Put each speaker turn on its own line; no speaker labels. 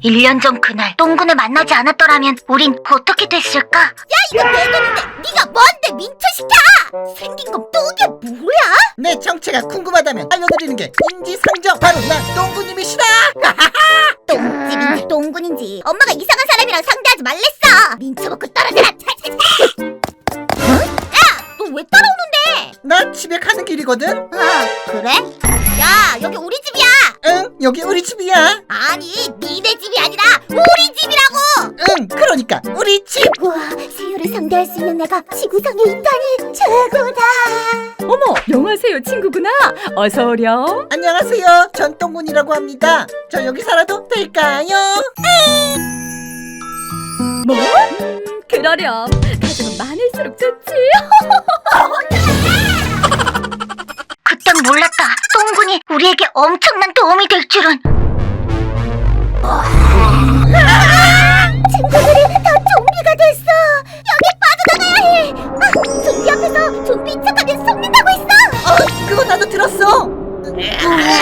1년 전 그날 똥군을 만나지 않았더라면 우린 어떻게 됐을까?
야, 이거 내 돈인데 네가 뭔데 민초시켜! 생긴 건 똥이 뭐야?
내 정체가 궁금하다면 알려드리는 게 인지상정. 바로 난 똥구님이시다.
똥집인지 똥군인지 엄마가 이상한 사람이랑 상대하지 말랬어. 민초 먹고 떨어져라. 야, 너 왜 따라오는데?
나 집에 가는 길이거든.
그래? 야, 여기 우리 집이야.
응, 여기 우리 집이야.
아니, 니네 집이 아니라 우리 집이라고.
응, 그러니까 우리 집.
우와, 세유를 상대할 수 있는 애가 지구상에 있다니 최고다.
어머, 영화세요 친구구나. 어서 오렴.
안녕하세요. 전 똥군이라고 합니다. 저 여기 살아도 될까요?
뭐? 그러렴. 가족은 많을수록 좋지.
그땐 몰랐다. 똥군이 우리에게 엄청난 도움이 될 줄은.
친구들이 다 좀비가 됐어. 여기 빠져나가야 해. 좀비 앞에서 좀비 척하면 속는다고 했어.
그거 나도 들었어.